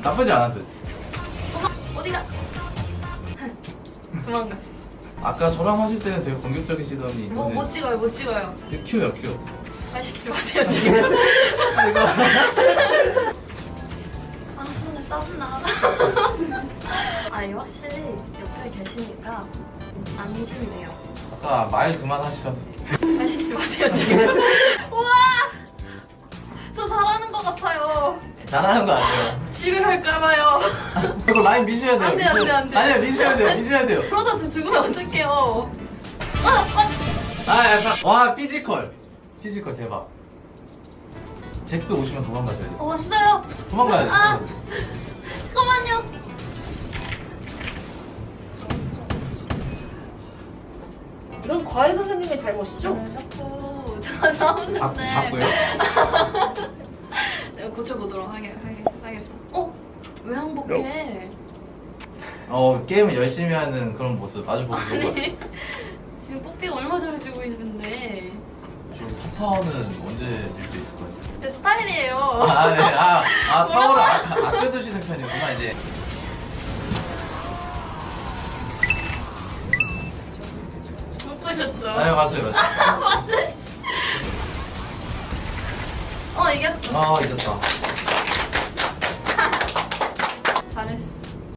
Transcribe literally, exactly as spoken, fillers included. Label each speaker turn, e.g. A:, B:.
A: 나쁘지 않았어요.
B: 도망 어디가? 도망갔어.
A: 아까 저랑 하실 때는 되게 공격적이시더니
B: 뭐 못 찍어요, 못 찍어요.
A: 큐요 큐.
B: 말 시키지 마세요 지금.
A: 이거
B: 아 손에 땀나. 아니 확실히 옆에 계시니까 안심돼요.
A: 아까 말 그만하시라고.
B: 말 시키지 마세요 지금. 우와, 저 잘하는 것 같아요.
A: 잘하는 거 아니에요.
B: 집에 갈까봐요.
A: 이거 라인 미셔야 돼요.
B: 안 돼, 안 돼, 안 돼.
A: 아니야 미셔야 돼요. 미셔야 돼요.
B: 그러다 저 죽으면 어떡해요. 아, 아.
A: 아 약간 와 피지컬. 피지컬 대박. 잭스 오시면 도망가셔야 돼요.
B: 어, 왔어요.
A: 도망가야 돼요.
B: 아, 잠깐만요.
C: 이건 과외 선생님의 잘못이죠?
B: 왜 자꾸 저 싸우는데.
A: 자꾸 자꾸요?
B: 내가 고쳐보도록 하게, 하게, 하겠습니다. 어? 왜 항복해?
A: 어 게임을 열심히 하는 그런 모습 아주 보기 좋은 것 같아요.
B: 아니, 지금 뽀삐가 얼마 잘해주고 있는데.
A: 지금 탑타워는 언제 밀 수 있을 것 같아요?
B: 제 스타일이에요.
A: 아, 네. 아, 아 타워를 아, 아껴두시는 편이구나, 이제.
B: 못 보셨죠?
A: 아, 네, 봤어요, 봤어요.
B: 맞네. 어, 이겼어.
A: 아, 잊었다.
B: 잘했어.